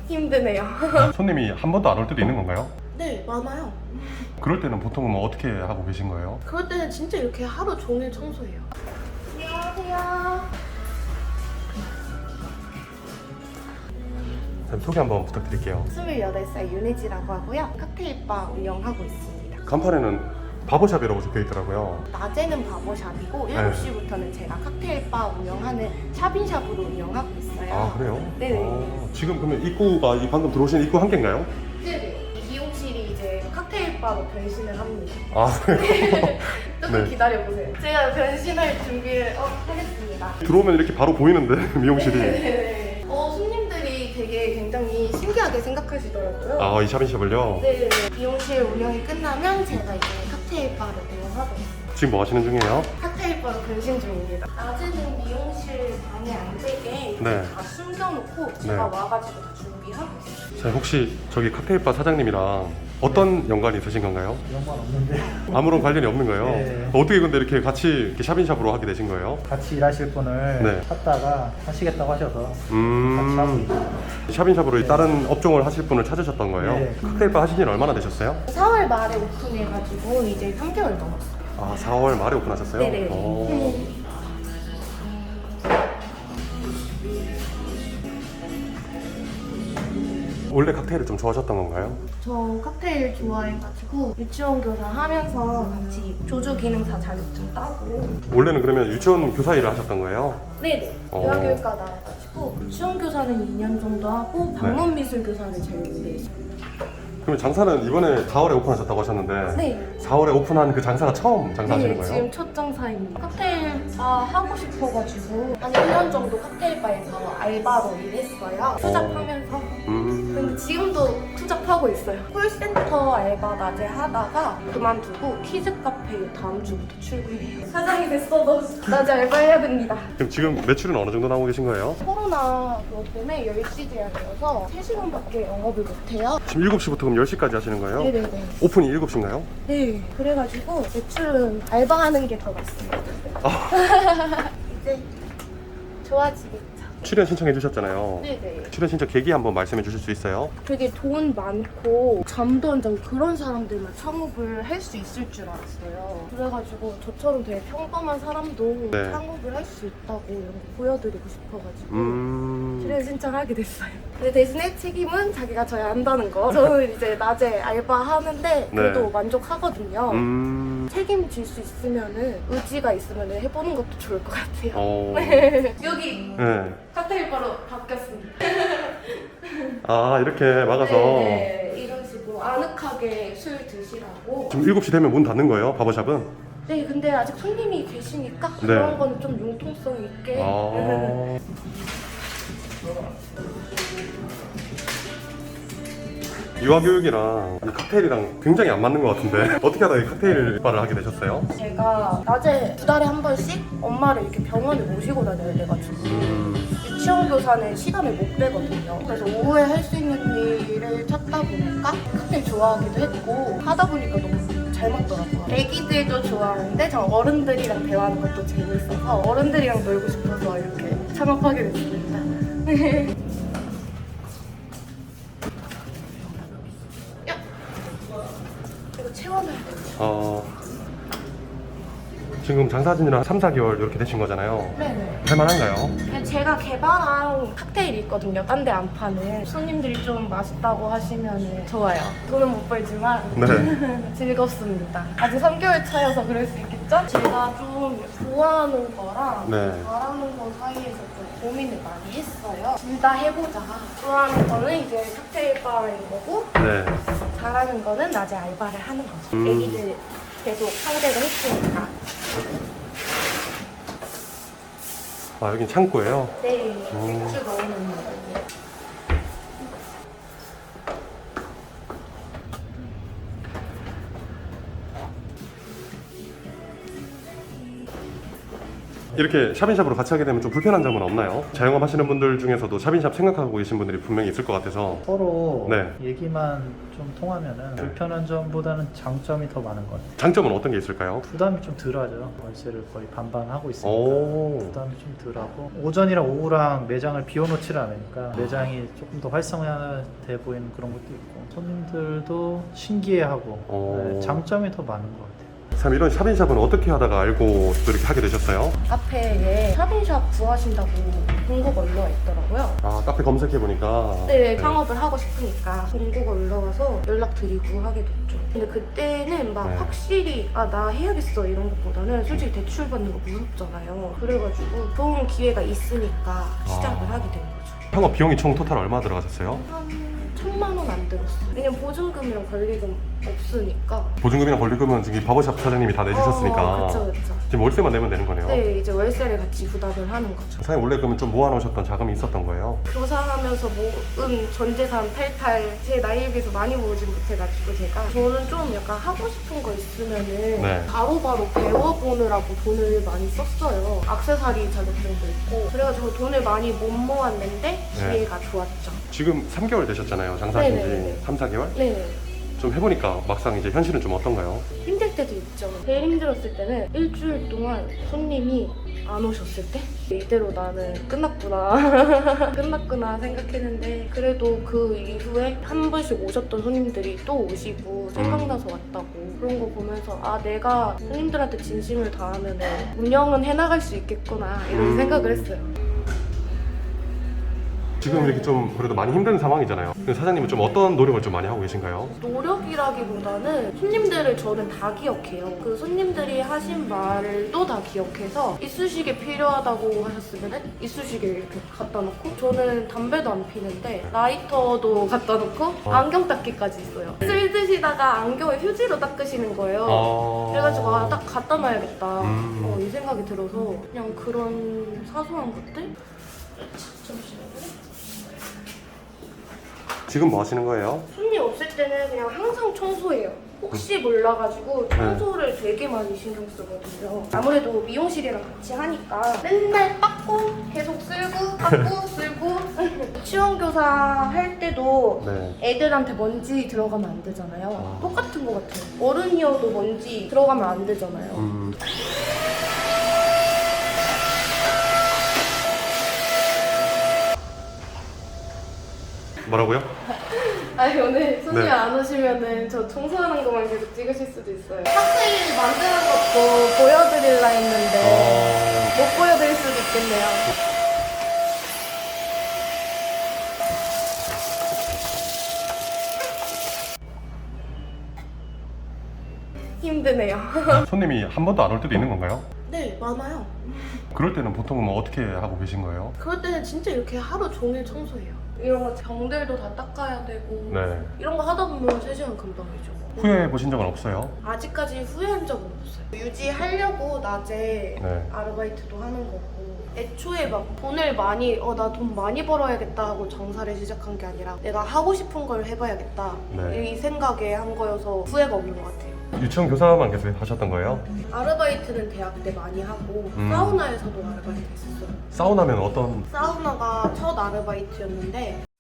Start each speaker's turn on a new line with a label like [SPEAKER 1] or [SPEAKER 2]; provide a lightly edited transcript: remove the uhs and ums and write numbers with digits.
[SPEAKER 1] 힘드네요.
[SPEAKER 2] 손님이 한 번도 안 올 때도 있는 건가요?
[SPEAKER 1] 네, 많아요.
[SPEAKER 2] 그럴 때는 보통은 뭐 어떻게 하고 계신 거예요?
[SPEAKER 1] 그럴 때는 진짜 이렇게 하루 종일 청소해요. 안녕하세요.
[SPEAKER 2] 소개 한번 부탁드릴게요.
[SPEAKER 1] 28살 윤혜지라고 하고요. 칵테일바 운영하고 있습니다.
[SPEAKER 2] 간판에는 바보샵이라고 적혀 있더라고요.
[SPEAKER 1] 낮에는 바보샵이고 7시부터는 제가 칵테일바 운영하는 샵인샵으로 운영하고 있어요.
[SPEAKER 2] 아, 그래요?
[SPEAKER 1] 네네.
[SPEAKER 2] 지금 그러면 입구가 이 방금 들어오신 입구 한 개인가요?
[SPEAKER 1] 네네. 이 미용실이 이제 칵테일바로 변신을 합니다.
[SPEAKER 2] 아, 그래요?
[SPEAKER 1] 조금
[SPEAKER 2] 네.
[SPEAKER 1] 기다려보세요. 제가 변신할 준비를 하겠습니다.
[SPEAKER 2] 들어오면 이렇게 바로 보이는데 미용실이.
[SPEAKER 1] 네네. 손님들이 되게 굉장히 신기하게 생각하시더라고요.
[SPEAKER 2] 아, 이 샵인샵을요?
[SPEAKER 1] 네. 미용실 운영이 끝나면 제가 이제 칵테일바를 운영하고 있어요.
[SPEAKER 2] 지금 뭐 하시는 중이에요?
[SPEAKER 1] 칵테일바로 변신 중입니다. 낮에는 미용실 방에 안 되게
[SPEAKER 2] 네.
[SPEAKER 1] 다 숨겨놓고 제가
[SPEAKER 2] 네.
[SPEAKER 1] 와가지고 다 준비하고 있어요.
[SPEAKER 2] 자, 혹시 저기 칵테일바 사장님이랑 어떤 연관이 있으신 건가요?
[SPEAKER 3] 연관 없는데
[SPEAKER 2] 아무런 관련이 없는 거예요?
[SPEAKER 3] 네.
[SPEAKER 2] 어떻게 근데 이렇게 같이 이렇게 샵인샵으로 하게 되신 거예요?
[SPEAKER 3] 같이 일하실 분을
[SPEAKER 2] 네.
[SPEAKER 3] 찾다가 하시겠다고 하셔서 같이 하고 있어요.
[SPEAKER 2] 샵인샵으로
[SPEAKER 3] 네.
[SPEAKER 2] 다른 업종을 하실 분을 찾으셨던 거예요?
[SPEAKER 3] 네.
[SPEAKER 2] 칵테일바 하신 지는 얼마나 되셨어요?
[SPEAKER 1] 4월 말에 오픈해가지고 이제 3개월 넘었어요.
[SPEAKER 2] 아, 4월 말에 오픈하셨어요?
[SPEAKER 1] 네네.
[SPEAKER 2] 오. 원래 칵테일을 좀 좋아하셨던 건가요?
[SPEAKER 1] 저 칵테일 좋아해가지고 유치원 교사 하면서 같이 조주 기능사 자격증 따고.
[SPEAKER 2] 원래는 그러면 유치원 교사 일을 하셨던 거예요?
[SPEAKER 1] 네네. 대학교육과 나와가지고 유치원 교사는 2년 정도 하고 방문 미술 교사를 제일 오래 했어요.
[SPEAKER 2] 그러면 장사는 이번에 4월에 오픈하셨다고 하셨는데
[SPEAKER 1] 네.
[SPEAKER 2] 4월에 오픈한 그 장사가 처음 장사하시는
[SPEAKER 1] 네,
[SPEAKER 2] 거예요?
[SPEAKER 1] 지금 첫 장사입니다. 칵테일바 하고 싶어가지고 한 1년 정도 칵테일바에서 알바로 일했어요. 투잡하면서. 근데 지금도 투잡하고 있어요. 콜센터 알바 낮에 하다가 그만두고 키즈 카페 다음 주부터 출근해요. 사장이 됐어도 낮에 알바해야 됩니다.
[SPEAKER 2] 그럼 지금 매출은 어느 정도 나오고 계신 거예요?
[SPEAKER 1] 코로나 그것 때문에 10시 제한이어서 3시간밖에 영업을 못해요.
[SPEAKER 2] 지금 7시부터 그럼 10시까지 하시는 거예요?
[SPEAKER 1] 네네네.
[SPEAKER 2] 오픈이 7시인가요?
[SPEAKER 1] 네. 그래가지고 매출은 알바하는 게 더 낫습니다. 이제 좋아지겠죠.
[SPEAKER 2] 출연 신청해 주셨잖아요.
[SPEAKER 1] 네네.
[SPEAKER 2] 출연 신청 계기 한번 말씀해 주실 수 있어요?
[SPEAKER 1] 되게 돈 많고 잠도 안 자고 그런 사람들만 창업을 할 수 있을 줄 알았어요. 그래가지고 저처럼 되게 평범한 사람도
[SPEAKER 2] 네.
[SPEAKER 1] 창업을 할 수 있다고 이런 거 보여드리고 싶어가지고 출연 신청하게 됐어요. 근데 대신에 책임은 자기가 져야 한다는 거. 저는 이제 낮에 알바하는데 그래도
[SPEAKER 2] 네.
[SPEAKER 1] 만족하거든요. 책임질 수 있으면은 의지가 있으면은 해보는 것도 좋을 것 같아요. 여기
[SPEAKER 2] 네.
[SPEAKER 1] 칵테일바로 바뀌었습니다.
[SPEAKER 2] 아, 이렇게 막아서
[SPEAKER 1] 네, 이런 식으로 아늑하게 술 드시라고.
[SPEAKER 2] 지금 7시 되면 문 닫는 거예요? 바버샵은?
[SPEAKER 1] 네, 근데 아직 손님이 계시니까
[SPEAKER 2] 네.
[SPEAKER 1] 그런 거는 좀 융통성 있게.
[SPEAKER 2] 아. 유아교육이랑 이 칵테일이랑 굉장히 안 맞는 것 같은데 어떻게 하다 이 칵테일 바를 하게 되셨어요?
[SPEAKER 1] 제가 낮에 2달에 한 번씩 엄마를 이렇게 병원에 모시고 다녀야 돼가지고 유치원 교사는 시간을 못 빼거든요. 그래서 오후에 할 수 있는 일을 찾다 보니까 칵테일 좋아하기도 했고 하다 보니까 너무 잘 맞더라고요. 애기들도 좋아하는데 저 어른들이랑 대화하는 것도 재밌어서 어른들이랑 놀고 싶어서 이렇게 창업하게 됐습니다. 야! 이거 채워놔야 돼.
[SPEAKER 2] 지금 장사진이랑 3, 4개월 이렇게 되신 거잖아요.
[SPEAKER 1] 네네.
[SPEAKER 2] 할만한가요?
[SPEAKER 1] 제가 개발한 칵테일이 있거든요. 딴 데 안 파는. 손님들이 좀 맛있다고 하시면 좋아요. 돈은 못 벌지만
[SPEAKER 2] 네.
[SPEAKER 1] 즐겁습니다. 아직 3개월 차여서 그럴 수 있겠죠? 제가 좀 좋아하는 거랑
[SPEAKER 2] 네.
[SPEAKER 1] 잘하는 거 사이에서 좀 고민을 많이 했어요. 둘 다 해보자. 좋아하는 거는 이제 칵테일 바인 거고
[SPEAKER 2] 네.
[SPEAKER 1] 잘하는 거는 낮에 알바를 하는 거죠. 애기들 계속 상대를 했으니까.
[SPEAKER 2] 아, 여긴 창고예요?
[SPEAKER 1] 네, 맥주 넣어놓는 거.
[SPEAKER 2] 이렇게 샵인샵으로 같이 하게 되면 좀 불편한 점은 없나요? 자영업 하시는 분들 중에서도 샵인샵 생각하고 계신 분들이 분명히 있을 것 같아서.
[SPEAKER 3] 서로
[SPEAKER 2] 네.
[SPEAKER 3] 얘기만 좀 통하면은 불편한 점보다는 장점이 더 많은 것 같아요.
[SPEAKER 2] 장점은 어떤 게 있을까요?
[SPEAKER 3] 부담이 좀 덜하죠. 월세를 거의 반반 하고 있으니까
[SPEAKER 2] 오.
[SPEAKER 3] 부담이 좀 덜하고 오전이랑 오후랑 매장을 비워놓지를 않으니까 매장이 조금 더 활성화돼 보이는 그런 것도 있고 손님들도 신기해하고
[SPEAKER 2] 오.
[SPEAKER 3] 장점이 더 많은 것 같아요.
[SPEAKER 2] 참 이런 샵인샵은 어떻게 하다가 알고 또 이렇게 하게 되셨어요?
[SPEAKER 1] 카페에 샵인샵 구하신다고 공고가 올라와 있더라고요.
[SPEAKER 2] 아, 카페 검색해보니까.
[SPEAKER 1] 네, 창업을 하고 싶으니까 공고가 올라와서 연락드리고 하게 됐죠. 근데 그때는 막
[SPEAKER 2] 네.
[SPEAKER 1] 확실히 나 해야겠어 이런 것보다는 솔직히 대출 받는 거 무섭잖아요. 그래가지고 좋은 기회가 있으니까 시작을 하게 된 거죠.
[SPEAKER 2] 창업 비용이 총 토탈 얼마 들어가셨어요?
[SPEAKER 1] 한 1,000만 원 안 들었어요. 왜냐면 보증금이랑 권리금 없으니까.
[SPEAKER 2] 보증금이랑 권리금은 지금 바버샵 사장님이 다 내주셨으니까.
[SPEAKER 1] 그쵸.
[SPEAKER 2] 지금 월세만 내면 되는 거네요.
[SPEAKER 1] 네, 이제 월세를 같이 부담을 하는 거죠.
[SPEAKER 2] 사장님 원래 그러면 좀 모아놓으셨던 자금이 있었던 거예요?
[SPEAKER 1] 교사하면서 모은 전재산 탈탈 제 나이에 비해서 많이 모으진 못해가지고 제가 저는 좀 약간 하고 싶은 거 있으면은
[SPEAKER 2] 네.
[SPEAKER 1] 바로바로 배워보느라고 돈을 많이 썼어요. 액세서리 자격증도 있고 그래가지고 돈을 많이 못 모았는데 기회가 좋았죠.
[SPEAKER 2] 지금 3개월 되셨잖아요. 장사하신
[SPEAKER 1] 네네네.
[SPEAKER 2] 지 3, 4개월?
[SPEAKER 1] 네.
[SPEAKER 2] 좀 해보니까 막상 이제 현실은 좀 어떤가요?
[SPEAKER 1] 힘들 때도 있죠. 제일 힘들었을 때는 일주일 동안 손님이 안 오셨을 때 이대로 나는 끝났구나 끝났구나 생각했는데 그래도 그 이후에 한 번씩 오셨던 손님들이 또 오시고 생각나서 왔다고 그런 거 보면서 내가 손님들한테 진심을 다하면 운영은 해나갈 수 있겠구나 이런 생각을 했어요.
[SPEAKER 2] 지금 이렇게 좀 그래도 많이 힘든 상황이잖아요. 근데 사장님은 좀 어떤 노력을 좀 많이 하고 계신가요?
[SPEAKER 1] 노력이라기보다는 손님들을 저는 다 기억해요. 그 손님들이 하신 말도 다 기억해서 이쑤시개 필요하다고 하셨으면 이쑤시개 이렇게 갖다 놓고 저는 담배도 안 피는데 라이터도 갖다 놓고 안경 닦기까지 있어요. 쓸 드시다가 안경을 휴지로 닦으시는 거예요. 그래가지고 딱 갖다 놔야겠다 이 생각이 들어서 그냥 그런 사소한 것들? 잠시만요.
[SPEAKER 2] 지금 뭐 하시는 거예요?
[SPEAKER 1] 손님 없을 때는 그냥 항상 청소해요. 혹시 몰라가지고 청소를 되게 많이 신경 쓰거든요. 아무래도 미용실이랑 같이 하니까 맨날 닦고 계속 쓸고 닦고 쓸고 유치원교사 할 때도
[SPEAKER 2] 네.
[SPEAKER 1] 애들한테 먼지 들어가면 안 되잖아요. 똑같은 것 같아요. 어른이어도 먼지 들어가면 안 되잖아요.
[SPEAKER 2] 뭐라고요?
[SPEAKER 1] 아니 오늘 손님
[SPEAKER 2] 네.
[SPEAKER 1] 안 오시면은 저 청소하는 것만 계속 찍으실 수도 있어요. 칵테일 만드는 것도 보여드릴라 했는데 못 보여드릴 수도 있겠네요. 힘드네요.
[SPEAKER 2] 손님이 한 번도 안 올 때도 있는 건가요?
[SPEAKER 1] 네, 많아요.
[SPEAKER 2] 그럴 때는 보통은 뭐 어떻게 하고 계신 거예요?
[SPEAKER 1] 그럴 때는 진짜 이렇게 하루 종일 청소해요. 이런 거 병들도 다 닦아야 되고
[SPEAKER 2] 네.
[SPEAKER 1] 이런 거 하다 보면 3시간 금방이죠.
[SPEAKER 2] 후회해 보신 적은 없어요?
[SPEAKER 1] 아직까지 후회한 적은 없어요. 유지하려고 낮에
[SPEAKER 2] 네.
[SPEAKER 1] 아르바이트도 하는 거고 애초에 막 돈을 많이 나 돈 많이 벌어야겠다 하고 장사를 시작한 게 아니라 내가 하고 싶은 걸 해봐야겠다
[SPEAKER 2] 네.
[SPEAKER 1] 이 생각에 한 거여서 후회가 없는 것 같아요.
[SPEAKER 2] 유치원 교사만 계속 하셨던 거예요?
[SPEAKER 1] 아르바이트는 대학 때 많이 하고 사우나에서도 아르바이트 했었어요.
[SPEAKER 2] 사우나면 어떤?
[SPEAKER 1] 사우나가 첫 아르바이트였는데